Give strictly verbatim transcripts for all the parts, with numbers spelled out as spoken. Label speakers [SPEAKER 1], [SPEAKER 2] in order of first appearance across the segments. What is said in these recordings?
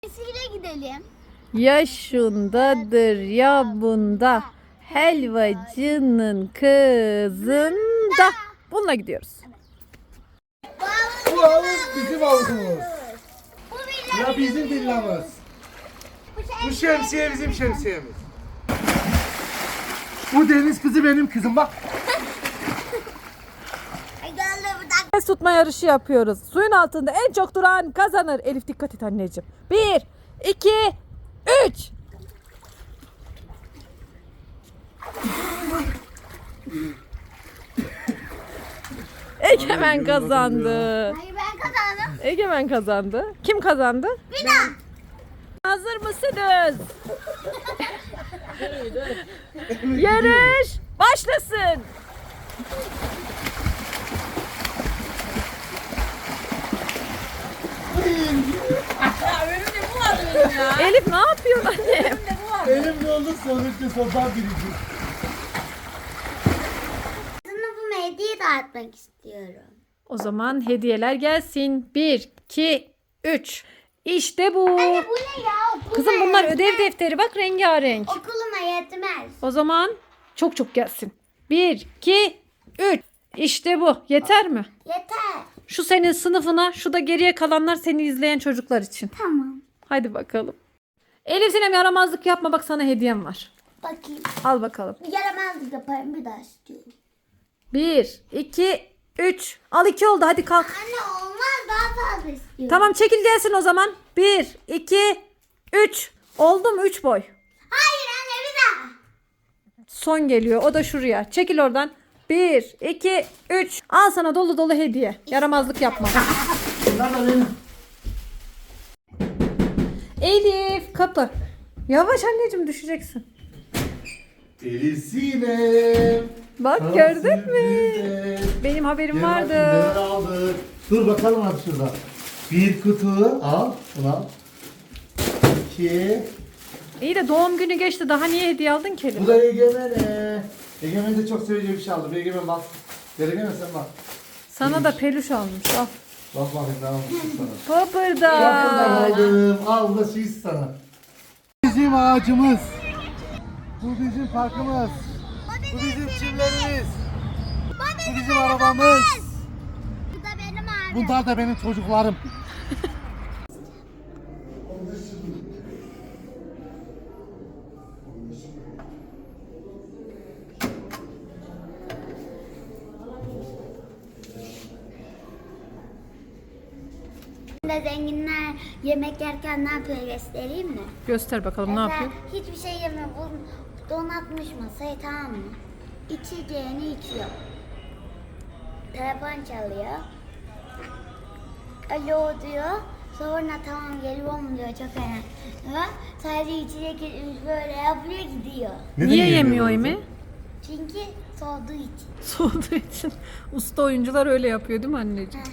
[SPEAKER 1] Size gidelim.
[SPEAKER 2] Ya şundadır ya bunda, helvacının kızında. Bununla gidiyoruz.
[SPEAKER 3] Bu havuz bizim havuzumuz.
[SPEAKER 1] Bu villa
[SPEAKER 3] Ya bizim villamız. Bu şemsiye bizim şemsiyemiz. Bu deniz kızı benim kızım bak.
[SPEAKER 2] Nefes tutma yarışı yapıyoruz. Suyun altında en çok duran kazanır. Elif dikkat et anneciğim. Bir, iki, üç. Egemen kazandı.
[SPEAKER 1] Hayır ben kazandım.
[SPEAKER 2] Egemen kazandı. Kim kazandı?
[SPEAKER 1] Villa.
[SPEAKER 2] Hazır mısınız? Yarış başlasın. Elif ne yapıyorsun annem?
[SPEAKER 3] Elim yolda sonuçta sondan birinci.
[SPEAKER 1] Sınıfıma hediye dağıtmak istiyorum.
[SPEAKER 2] O zaman hediyeler gelsin. Bir, iki, üç. İşte bu.
[SPEAKER 1] Anne bu ne ya? Okuluma
[SPEAKER 2] Kızım bunlar
[SPEAKER 1] yetmez.
[SPEAKER 2] ödev defteri, bak rengarenk.
[SPEAKER 1] Okuluma yetmez.
[SPEAKER 2] O zaman çok çok gelsin. Bir, iki, üç. İşte bu. Yeter mi?
[SPEAKER 1] Yeter.
[SPEAKER 2] Şu senin sınıfına, şu da geriye kalanlar seni izleyen çocuklar için.
[SPEAKER 1] Tamam.
[SPEAKER 2] Hadi bakalım. Elif Sinem yaramazlık yapma, bak sana hediyem var.
[SPEAKER 1] Bakayım.
[SPEAKER 2] Al bakalım.
[SPEAKER 1] Yaramazlık yaparım bir daha istiyorum.
[SPEAKER 2] Bir, iki, üç. Al iki oldu, hadi kalk.
[SPEAKER 1] Anne olmaz daha fazla istiyorum.
[SPEAKER 2] Tamam çekil gelsin o zaman. Bir, iki, üç. Oldu mu üç boy?
[SPEAKER 1] Hayır anne bir daha.
[SPEAKER 2] Son geliyor, o da şuraya. Çekil oradan. Bir, iki, üç. Al sana dolu dolu hediye. Yaramazlık yapma.
[SPEAKER 3] Bunlar da benim.
[SPEAKER 2] Elif kapı. Yavaş anneciğim, düşeceksin.
[SPEAKER 3] Elif Sinem.
[SPEAKER 2] Bak
[SPEAKER 3] Sana
[SPEAKER 2] gördün mü?
[SPEAKER 3] sürprizler.
[SPEAKER 2] Benim haberim
[SPEAKER 3] Gel bakayım,
[SPEAKER 2] vardı.
[SPEAKER 3] neler aldık. Dur bakalım hadi şurada. Bir kutu al. Bunu al. İki.
[SPEAKER 2] İyi de doğum günü geçti. Daha niye hediye aldın ki Elif?
[SPEAKER 3] Bu da Egemen'e. Egemen de çok seveceği bir şey aldı. Bir Egemen bak. Gel Egemen sen bak.
[SPEAKER 2] Sana da peluş almış. Al.
[SPEAKER 3] Bak bakayım ne almışım sana.
[SPEAKER 2] Papırda.
[SPEAKER 3] Kapıdan aldım. Al da şiş sana. Bizim ağacımız. Bu bizim parkımız. Bu bizim çimlerimiz. Bu bizim arabamız.
[SPEAKER 1] Bu da benim abi.
[SPEAKER 3] Bunlar da benim çocuklarım.
[SPEAKER 1] Şimdi zenginler yemek yerken ne yapıyor göstereyim mi?
[SPEAKER 2] Göster bakalım ne
[SPEAKER 1] Mesela
[SPEAKER 2] yapıyor.
[SPEAKER 1] hiçbir şey yemiyor. Bu donatmış masayı, tamam mı? İçeceğini içiyor. Telefon çalıyor. Alo diyor. Sonra tamam geliyor mu diyor, çok önemli. Sadece içecek içmiş böyle yapıyor gidiyor.
[SPEAKER 2] Niye yemiyor Emi?
[SPEAKER 1] Çünkü soğuduğu için.
[SPEAKER 2] Soğuduğu için. Usta oyuncular öyle yapıyor değil mi anneciğim?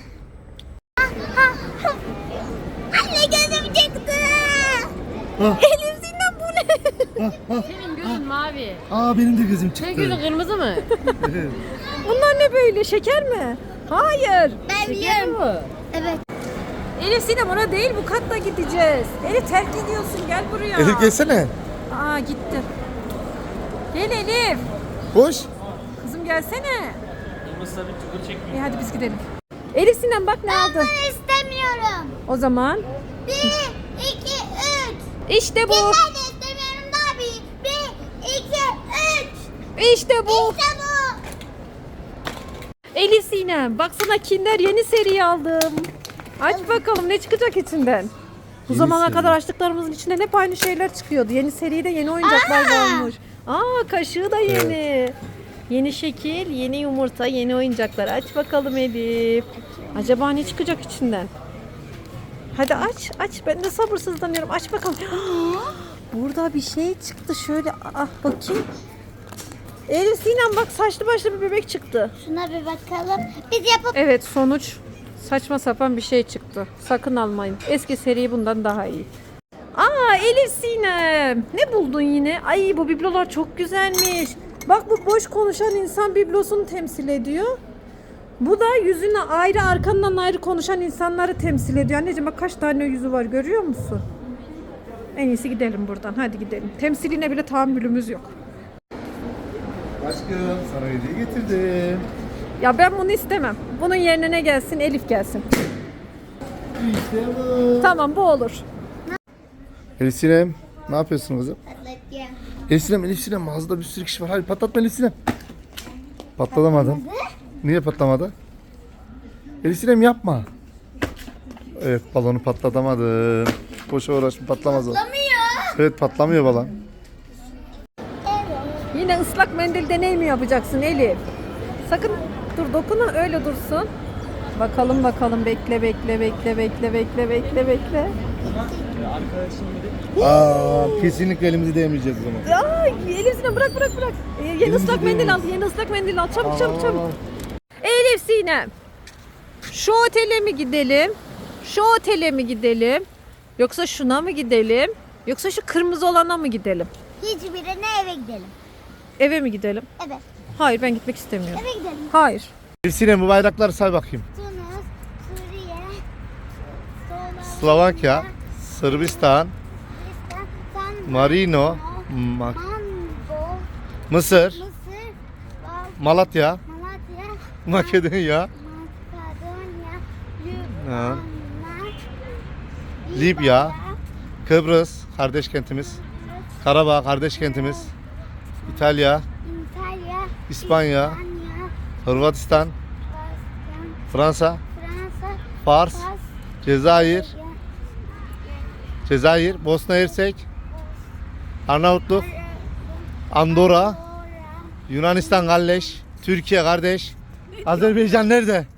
[SPEAKER 1] Anne gözüm çıktı.
[SPEAKER 2] Elif Sinem bu ne?
[SPEAKER 4] Senin gözün mavi.
[SPEAKER 3] Aa benim de gözüm çıktı.
[SPEAKER 4] Senin gözün kırmızı mı?
[SPEAKER 2] Bunlar ne böyle? Şeker mi? Hayır.
[SPEAKER 1] Ben
[SPEAKER 4] Şeker
[SPEAKER 1] biliyorum.
[SPEAKER 4] mi?
[SPEAKER 1] Evet.
[SPEAKER 2] Elif Sinem ona değil, bu katla gideceğiz. Elif terk ediyorsun, gel buraya.
[SPEAKER 3] Elif gelsene.
[SPEAKER 2] Aa gitti. Gel Elif.
[SPEAKER 3] Hoş.
[SPEAKER 2] Kızım gelsene. İyi hadi biz gidelim. Elif Sinem bak ne aldı.
[SPEAKER 1] Ben istemiyorum.
[SPEAKER 2] O zaman
[SPEAKER 1] Bir, iki, üç.
[SPEAKER 2] işte bu.
[SPEAKER 1] Ben de istemiyorum daha bir. Bir, iki, üç.
[SPEAKER 2] İşte bu.
[SPEAKER 1] İşte bu.
[SPEAKER 2] Elif Sinem bak sana Kinder yeni seri aldım. Aç bakalım ne çıkacak içinden. Bu
[SPEAKER 3] Yeni
[SPEAKER 2] zamana
[SPEAKER 3] seri.
[SPEAKER 2] kadar açtıklarımızın içinden hep aynı şeyler çıkıyordu. Yeni seride yeni oyuncaklar
[SPEAKER 1] Aa!
[SPEAKER 2] olmuş. Aa kaşığı da yeni. Yeni şekil, yeni yumurta, yeni oyuncaklar. Aç bakalım Elif. Acaba ne çıkacak içinden? Hadi aç, aç. Ben de sabırsızlanıyorum. Aç bakalım. Burada bir şey çıktı. Şöyle ah bakayım. Elif Sinem bak saçlı başlı bir bebek çıktı.
[SPEAKER 1] Şuna bir bakalım. Biz yapıp
[SPEAKER 2] Evet sonuç saçma sapan bir şey çıktı. Sakın almayın. Eski seri bundan daha iyi. Aa Elif Sinem. Ne buldun yine? Ay bu biblolar çok güzelmiş. Bak bu boş konuşan insan biblosunu temsil ediyor. Bu da yüzüne ayrı, arkandan ayrı konuşan insanları temsil ediyor. Anneciğim bak kaç tane yüzü var görüyor musun? En iyisi gidelim buradan. Hadi gidelim. Temsiline bile tahammülümüz yok.
[SPEAKER 3] Aşkım sana hediye getirdim.
[SPEAKER 2] Ya ben bunu istemem. Bunun yerine ne gelsin? Elif gelsin.
[SPEAKER 3] İşte bu.
[SPEAKER 2] Tamam bu olur.
[SPEAKER 3] Elif Sinem, ne yapıyorsun kızım?
[SPEAKER 1] Patlatacağım.
[SPEAKER 3] Elif Sinem, Elif Sinem mağazada bir sürü kişi var. Hadi patlatma Elif Sinem. Patlatamadın. Niye patlamadı? Elif Sinem yapma. Evet, balonu patlatamadın. Boşa uğraşma, patlamaz o.
[SPEAKER 1] Patlamıyor.
[SPEAKER 3] Evet, patlamıyor balon.
[SPEAKER 1] Evet.
[SPEAKER 2] Yine ıslak mendil deney mi yapacaksın Elif? Sakın dur dokunma öyle dursun. Bakalım bakalım bekle bekle bekle bekle bekle bekle bekle.
[SPEAKER 3] Aa, kesinlikle elimizi değmeyeceğiz o zaman.
[SPEAKER 2] Ay Elif Sinem bırak bırak bırak. Ee, yeni
[SPEAKER 3] Elimizi
[SPEAKER 2] ıslak mendil al
[SPEAKER 3] değmeyiz.
[SPEAKER 2] yeni ıslak mendil al çabuk çabuk
[SPEAKER 3] Aa.
[SPEAKER 2] çabuk. Elif Sinem. Şu otele mi gidelim? Şu otele mi gidelim? Yoksa şuna mı gidelim? Yoksa şu kırmızı olana mı gidelim?
[SPEAKER 1] Hiçbirine eve gidelim.
[SPEAKER 2] Eve mi gidelim?
[SPEAKER 1] Evet.
[SPEAKER 2] Hayır ben gitmek istemiyorum.
[SPEAKER 1] Eve gidelim.
[SPEAKER 2] Hayır.
[SPEAKER 3] Elif Sinem, bu bayrakları say bakayım.
[SPEAKER 1] Tunus, Suriye, Slovakya,
[SPEAKER 3] Slovakya, Sırbistan,
[SPEAKER 1] San
[SPEAKER 3] Marino, Ma-
[SPEAKER 1] Mango,
[SPEAKER 3] Mısır,
[SPEAKER 1] Mısır, Bal-
[SPEAKER 3] Malatya,
[SPEAKER 1] Malatya,
[SPEAKER 3] Makedonya,
[SPEAKER 1] Makedonya,
[SPEAKER 3] Ha.
[SPEAKER 1] Lübnan,
[SPEAKER 3] Libya, Kıbrıs, kardeş kentimiz, Karabağ, kardeş kentimiz, İtalya,
[SPEAKER 1] İtalya,
[SPEAKER 3] İspanya,
[SPEAKER 1] İspanya,
[SPEAKER 3] Hırvatistan,
[SPEAKER 1] Baskan,
[SPEAKER 3] Fransa,
[SPEAKER 1] Fransa,
[SPEAKER 3] Fars,
[SPEAKER 1] Fas,
[SPEAKER 3] Cezayir, Cezayir, Bosna Hersek, Arnavutluk, Andorra,
[SPEAKER 1] Bora,
[SPEAKER 3] Yunanistan kardeş, Türkiye kardeş, Azerbaycan nerede?